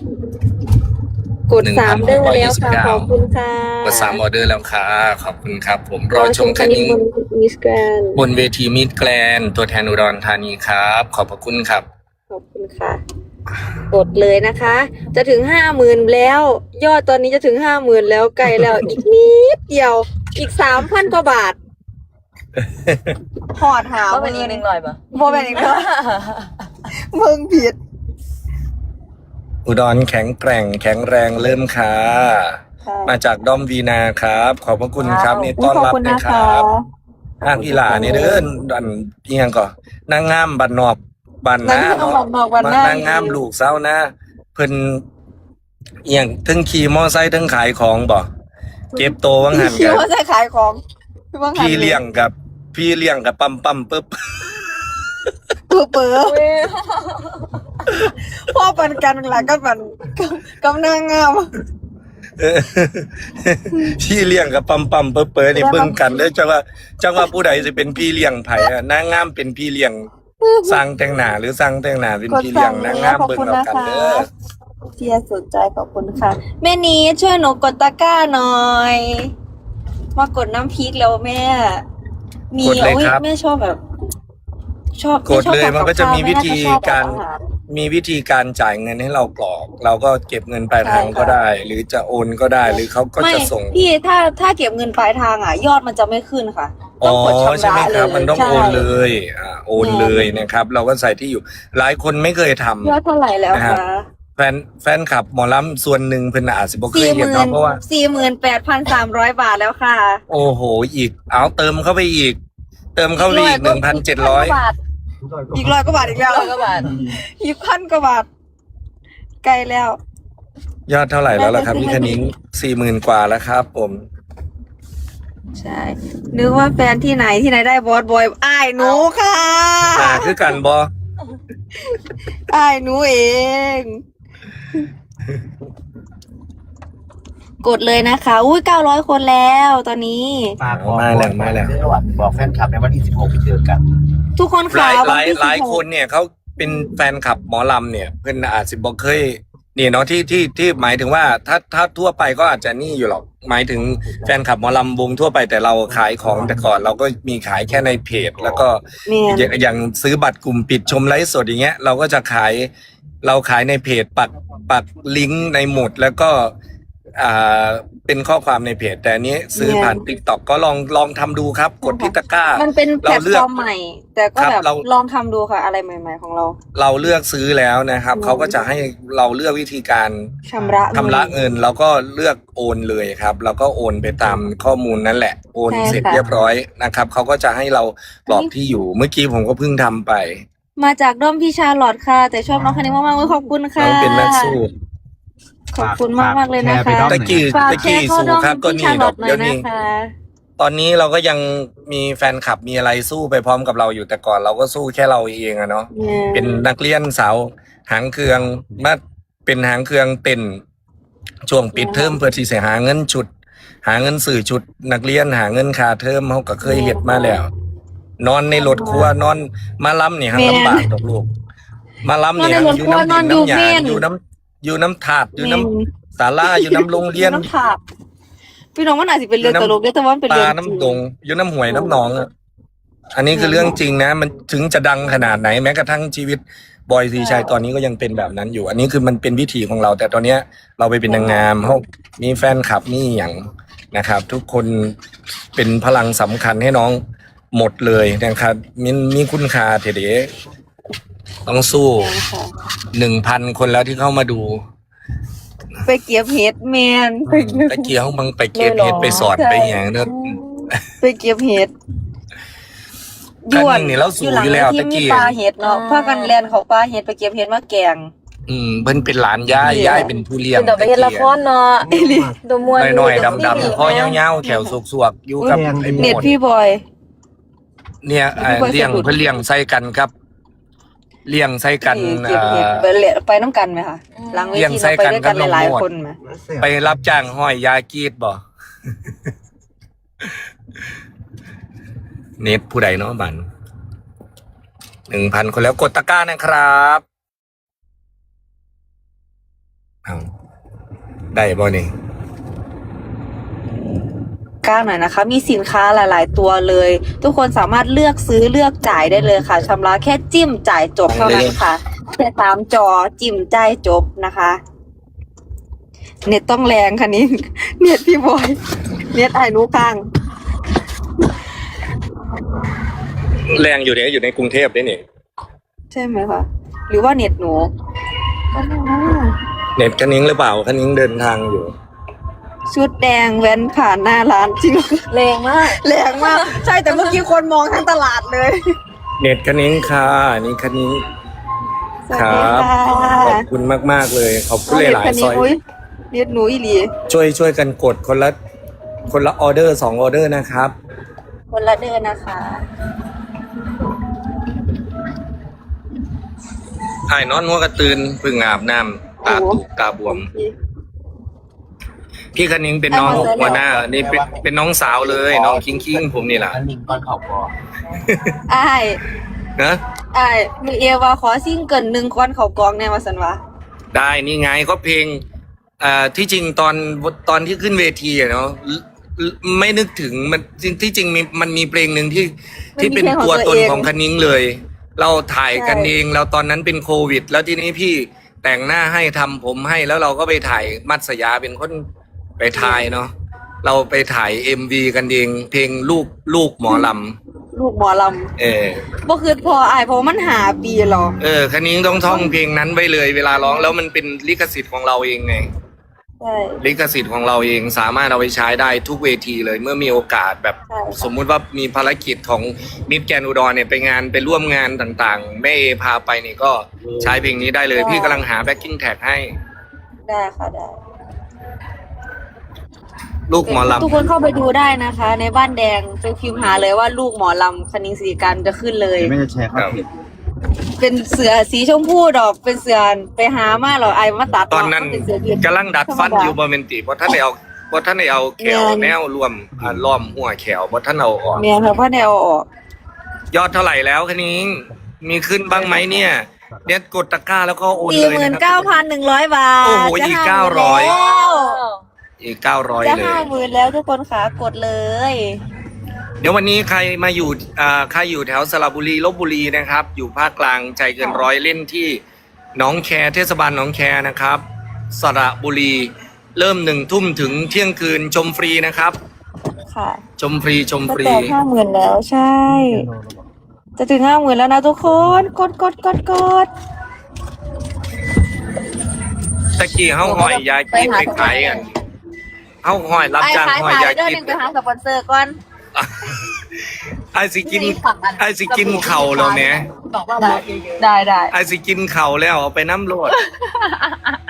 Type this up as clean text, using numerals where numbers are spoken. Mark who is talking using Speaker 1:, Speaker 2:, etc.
Speaker 1: กด3เด้อแล้วค่ะขอบคุณค่ะ
Speaker 2: กด3ออเดอร์แล้วค่ะขอบคุณครับผมรอชมคณิ้ง
Speaker 1: มิสแกรน
Speaker 2: บนเวทีมิสแกรนตัวแทนอุดรธานีครับขอบพระคุณครับ
Speaker 1: ขอบคุณค่ะกดเลยนะคะ จะถึง50,000แล้ว ยอดตอนนี้จะถึง50,000แล้วไกลแล้วอีกนิดเดียวอีก3,000กว่าบาทพอดหา
Speaker 3: ก็เป็นอีก100ป่ะ
Speaker 1: โมเป็นอีกแล้วมึงผิด
Speaker 2: อุดรแข็งแกร่งแข็งแรงเริ่มค่ะมาจากด้อมวีนาครับขอบพระคุณครับนี่ต้อนรับนะครับอีหลานี่เด้อดันเอียงก่อนนางงามบัดนอกบัดนะนางงามลูกเศร้านะเพิ่นเอียงถึงขี่มอไซค์ถึงขายของบ่เก็บโตวังหัน
Speaker 1: กันขี่มอไซค์ขายของ
Speaker 2: พี่เลี้ยงกับปั๊มปึ๊บ
Speaker 1: เปิดพ่อปันกันหลังก็ปันกำนางงาม
Speaker 2: พี่เลี้ยงกับปั๊มปึ๊บนี่เบิ่งกันเลยจังว่าผู้ใดจะเป็นพี่เลี้ยงไผนางงามเป็นพี่เลี้ยงสร้างแต่งหน้าหรือสร้างแต่งหน้าเป็นพี่เลี้ยงนางงามเบิ่งเอากันเด้อ
Speaker 1: เชียร์สนใจขอบคุณค่ะแม่นี้ช่วยหนูกดตะกร้าหน่อยมากดน้ำพริกแล้วแม่มีแม่ชอบแบบ
Speaker 2: กดเลยมันก็จะมีวิธีการจ่ายเงินให้เรากรอกเราก็เก็บเงินปลายทางก็ได้หรือจะโอนก็ได้หรือเขาก็จะส่ง
Speaker 1: พี่ถ้าเก็บเงินปลายทางยอดมันจะไม่ขึ้นค่ะ
Speaker 2: ต้องกดชำระเลยมันต้องโอนเลยโอนเลยนะครับเราก็ใส่ที่อยู่หลายคนไม่เคยทำ
Speaker 1: ยอดเท่าไหร่แล้วคะ
Speaker 2: แฟนคลับหมอลำส่วนหนึ่งเพิ่นอาจจะบ่เคยเห็นเนาะเพราะว่า
Speaker 1: 48,300 บาทแล้วค่ะ
Speaker 2: โอ้โหอีกเอาเติมเข้าไปอีก1,700
Speaker 1: อีก100 กว่าบาทอีกแล้ว
Speaker 3: 100 กว่าบาท
Speaker 1: อีก1,000 กว่าบาทไกลแล้ว
Speaker 2: ยอดเท่าไหร่แล้วล่ะครับพี่คณิ้ง40,000 กว่าแล้วครับผม
Speaker 1: ใช่นึกว่าแฟนที่ไหนได้บอสบอยอ้ายหนูค่ะ
Speaker 2: คือกันบอ
Speaker 1: อ้ายหนูเองกดเลยนะคะอุ้ย900 คนแล้วตอนนี้
Speaker 2: มาแล้ว
Speaker 4: บอกแฟนคลับในวันที่16ไปเจอกัน
Speaker 1: ทุกคนค่ะ
Speaker 2: หลายคนเนี่ยเขาเป็นแฟนคลับหมอลำเนี่ยเพื่อนอาจจะบอกเคยนี่เนาะที่หมายถึงว่าถ้าทั่วไปก็อาจจะนี่อยู่หรอกหมายถึงแฟนคลับหมอลำวงทั่วไปแต่เราขายของแต่ก่อนเราก็มีขายแค่ในเพจแล้วก็อย่างซื้อบัตรกลุ่มปิดชมไลฟ์สดอย่างเงี้ยเราก็จะขายในเพจปักลิงก์ในหมุดแล้วก็เป็นข้อความในเพจแต่อันนี้ซื้อผ่าน TikTok ก็ลองทำดูครับกดที่ตะกร้า
Speaker 1: มันเป็นแพลตฟอร์มใหม่แต่ก็แบบลองทำดูค่ะอะไรใหม่ๆของ
Speaker 2: เราเลือกซื้อแล้วนะครับเขาก็จะให้เราเลือกวิธีการ
Speaker 1: ชำระ
Speaker 2: เงินแล้วก็เลือกโอนเลยครับแล้วก็โอนไปตามข้อมูลนั่นแหละโอนเสร็จเรียบร้อยนะครับเขาก็จะให้เรากรอกที่อยู่เมื่อกี้ผมก็เพิ่งทำไป
Speaker 1: มาจากด้อมพี่ชาลอดค่ะแต่ชอบน้องคนนี้มากๆขอบคุณค่ะ
Speaker 2: น้องเป็นนักสู้
Speaker 1: ขอบคุณมากเลยนะคะ
Speaker 2: ตะกี้สู้ครับก็นี่ดอกเดี๋ยวนี้ตอนนี้เราก็ยังมีแฟนคลับมีอะไรสู้ไปพร้อมกับเราอยู่แต่ก่อนเราก็สู้แค่เราเองอะเนาะเป็นนักเรียนสาวหางเครื่องมาเป็นหางเครื่องเต้นช่วงปิดเทอมเพื่อที่จะหาเงินสื่อชุดนักเรียนหาเงินค่าเทอมเขาก็เคยเฮ็ดมาแล้วนอนในรถครัวนอนมาล้ำนี่ฮะลำบากดอกลูกมาล้ำนี่อยู่น้ำดินน้ำหยาอยู่น้ำถาดอยู่น้ำศาลาอยู่น้ำโรงเรียน
Speaker 1: พี่น้องมันอาจจะเป็นเรื่องตลกแต่ว่าเป็นเรื่อง
Speaker 2: น้ำดงอยู่น้ำห้วยน้ำหนองอันนี้คือเรื่องจริงนะมันถึงจะดังขนาดไหนแม้กระทั่งชีวิตบอยสีชัยตอนนี้ก็ยังเป็นแบบนั้นอยู่อันนี้คือมันเป็นวิถีของเราแต่ตอนนี้เราไปเป็นนางงามเขามีแฟนคลับนี่อย่างนะครับทุกคนเป็นพลังสำคัญให้น้องหมดเลยนะครับมีคุณค่าเถเดต้องสู้ 1,000 คนแล้วที่เข้ามาดู
Speaker 1: ไปเก็บเห็ดแมน
Speaker 2: ตะเกียบมึงไปเก็บเห็ดไปสอนไปอย่างนั้น
Speaker 1: ไปเก็บเห็ด
Speaker 2: ย้วนนี่เราสู้อยู่แล้วตะเกียบ
Speaker 1: ปลาเห็ดเนาะพากันแลนเขาปลาเห็ดไปเก็บเห็ดมาแกง
Speaker 2: เพิ่นเป็นหลานย่ายเป็นผู้เลี้ยง
Speaker 3: ตะเกียบละครเนาะตัวมวย
Speaker 2: หน่อยดำๆคอยาวๆแขวสวกๆอยู่กับไอ้หมด
Speaker 1: เน็ตพี่บอย
Speaker 2: เนี่ยเลี้ยงเพื่อเลี้ยงใส่กันครับเลี้ยงใส่กัน
Speaker 1: ไปน้ำกันไหมคะหลังเวทีเราไปด้วยกันหลายคนไหม
Speaker 2: ไปรับจ้างห้อยยากีดบ่เน็ตผู้ใดเนาะบัน 1,000 คนแล้วกดตะกร้านะครับได้บ่นี่
Speaker 1: ก้าวหน่อยนะคะ มีสินค้าหลาย ๆ ตัวเลย ทุกคนสามารถเลือกซื้อเลือกจ่ายได้เลยค่ะชำระแค่จิ้มจ่ายจบเท่านั้นค่ะแค่3 จอจิ้มจ่ายจบนะคะ เน็ตต้องแรงค่ะนี่ เน็ตพี่บอยเน็ตไอ้หนูข้าง
Speaker 2: แรงอยู่เนี่ยอยู่ในกรุงเทพได้นี่
Speaker 1: ใช่ไหมคะหรือว่าเน็ตหนูก็ไม่รู้
Speaker 2: เน็ตคันนิ้งหรือเปล่าคันนิ้งเดินทางอยู่
Speaker 1: ชุดแดงแว้นผ่านหน้าร้านจริงเหรอ
Speaker 3: แรงมาก
Speaker 1: แรงมาก ใช่แต่เมื่อกี้คนมองทั้งตลาดเลย
Speaker 2: เน็ตคันนิ้งค่ะนี่คันนิ้ง
Speaker 1: สวัสดีค่ะ
Speaker 2: ขอบคุณมากๆเลยขอบคุณหลายๆซอย
Speaker 1: เน็ตหนูอีหลี
Speaker 2: ช่วยกันกดคนละออเดอร์2 ออเดอร์นะครับ
Speaker 1: คนละเดือนนะคะ
Speaker 2: ไอ้นอนหัวกระตือนพึ่งอาบน้ำตาตุกตาบวม พี่คันนิ้งเป็นน้องหัวหน้านี่เป็นน้องสาวเลยน้องคิงผมนี่แหละ
Speaker 4: อันหนึ่งก้อนเขาพอ
Speaker 1: อ้าย
Speaker 2: นะ
Speaker 1: อ้ายมือเอวาขอซิ่งเกิน1 ก้อนเขากองแน่มาสันวะ
Speaker 2: ได้นี่ไงก็เพลงที่จริงตอนที่ขึ้นเวทีอะเนาะไม่นึกถึงมันที่จริงมันมีเพลงหนึ่งที่เป็นตัวตนของคันนิ้งเลย เราถ่ายกันเองเราตอนนั้นเป็นโควิด แล้วทีนี้พี่แต่งหน้าให้ทำผมให้แล้วเราก็ไปถ่ายมัตสยาเป็นคนไปถ่ายเนาะเราไปถ่าย MV กันเองเพลงลูกหมอล
Speaker 1: ลูกหมอล
Speaker 2: ำ
Speaker 1: ำบ่คือพออ้ายเพราะมันหาปีหรอ
Speaker 2: คันนิ้งต้องท่องเพลงนั้นไว้เลยเวลาร้องแล้วมันเป็นลิขสิทธิ์ของเราเองไง
Speaker 1: ใช่
Speaker 2: ลิขสิทธิ์ของเราเองสามารถเอาไปใช้ได้ทุกเวทีเลยเมื่อมีโอกาสแบบ
Speaker 1: ใช่ค่ะ
Speaker 2: สมมุติว่ามีภารกิจของมิตรแกรนด์อุดรเนี่ยไปร่วมงานต่างๆแม่เอพาไปนี่ก็ใช้เพลงนี้ได้เลยพี่กำลังหาแบ็คกิ้งแท็กให้
Speaker 1: ได้ค่ะได้
Speaker 2: ลูกหมอลำ
Speaker 1: ทุกคนเข้าไปดูได้นะคะ ในบ้านแดงไปพิมพ์หาเลยว่าลูกหมอลำคณิงศรีการจะขึ้นเลย
Speaker 4: ไม่จะแชร์เข้าเพจ
Speaker 1: เป็นเสือสีชมพูดอกเป็นเสือไปหามาหรอไอ้มาตัด
Speaker 2: ตอนนั้น
Speaker 1: เป็นเสือยืน
Speaker 2: กำลังดัดฟันอยู่บนเมนติเพราะท่านได้เอาแขวแนวรวมล้อมหัวแขวเพราะท่านเอาออก
Speaker 1: เมียค่ะพ่อแนวออก
Speaker 2: ยอดเท่าไหร่แล้วคันนิ้งมีขึ้นบ้างไหมเนี่ยเด็ดกดตะกร้าแล้วก็โอนเลยนะครับ
Speaker 1: 49,100 บาท
Speaker 2: โอ้โหอีก
Speaker 1: จะ
Speaker 2: 900
Speaker 1: 50,000
Speaker 2: อีก900
Speaker 1: จะ
Speaker 2: เลย
Speaker 1: 50,000แล้วทุกคนค่ะกดเลย
Speaker 2: เดี๋ยววันนี้ใครอยู่แถวสระบุรีลพบุรีนะครับ อยู่ภาคกลางใจเกินร้อยเล่นที่หนองแคเทศบาลหนองแคนะครับสระบุรีเริ่ม1 ทุ่มถึงเที่ยงคืนชมฟรีนะครับ
Speaker 1: ค่ะ
Speaker 2: ชมฟรี
Speaker 1: ก็แต่50,000แล้วใช่ จะถึง50,000แล้วนะทุกคนกด
Speaker 2: ตะกี้เฮาหอยยากีบไปขายกันเฮาหอยรับจ้างหอยยากีบ
Speaker 1: ไปหาสปอนเซอร์ก่อน
Speaker 2: ไอสิกินเข่าแล้วเนี่ย
Speaker 3: บอกว่า
Speaker 1: ได้
Speaker 2: ไอสิกินเข่าแล้วเอาไปน้ำโลด